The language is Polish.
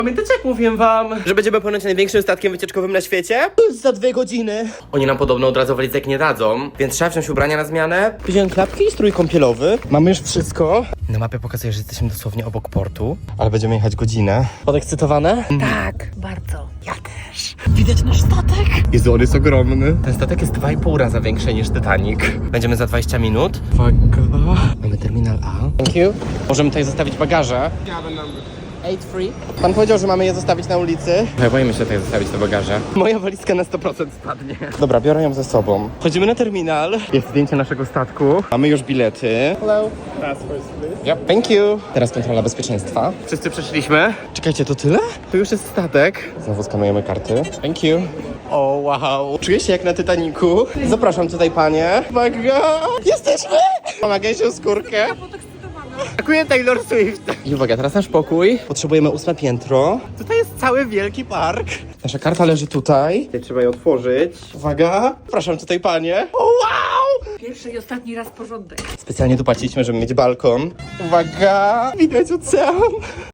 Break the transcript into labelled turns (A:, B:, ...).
A: Pamiętacie, jak mówiłem wam, że będziemy ponoć największym statkiem wycieczkowym na świecie? Za 2 godziny. Oni nam podobno od razu walizek nie dadzą, więc trzeba wziąć ubrania na zmianę. Wziąłem klapki i strój kąpielowy. Mamy już wszystko. Na mapie pokazuje, że jesteśmy dosłownie obok portu, ale będziemy jechać godzinę. Podekscytowane?
B: Tak, bardzo. Ja też. Widać nasz statek?
A: Jezu, on jest ogromny. Ten statek jest 2,5 raza większy niż Titanic. Będziemy za 20 minut. Uwaga. Mamy terminal A. Thank you. Możemy tutaj zostawić bagaże. 8-3. Pan powiedział, że mamy je zostawić na ulicy. Boimy się tutaj zostawić te bagaże. Moja walizka na 100% spadnie. Dobra, biorę ją ze sobą. Wchodzimy na terminal. Jest zdjęcie naszego statku. Mamy już bilety. Hello. Passports, please. Yep, thank you. Teraz kontrola bezpieczeństwa. Wszyscy przeszliśmy. Czekajcie, to tyle? To już jest statek. Znowu skanujemy karty. Thank you. O, wow. Czuję się jak na Titanicu. Zapraszam tutaj, panie. Uwaga. Jesteśmy! Pomagaj się o skórkę. Dziękuję, Taylor Swift. I uwaga, teraz nasz pokój. Potrzebujemy 8 piętro. Tutaj jest cały wielki park. Nasza karta leży tutaj. Trzeba ją otworzyć. Uwaga. Zapraszam tutaj, panie. O, wow!
B: Pierwszy i ostatni raz porządek.
A: Specjalnie tu płaciliśmy, żeby mieć balkon. Uwaga. Widać ocean.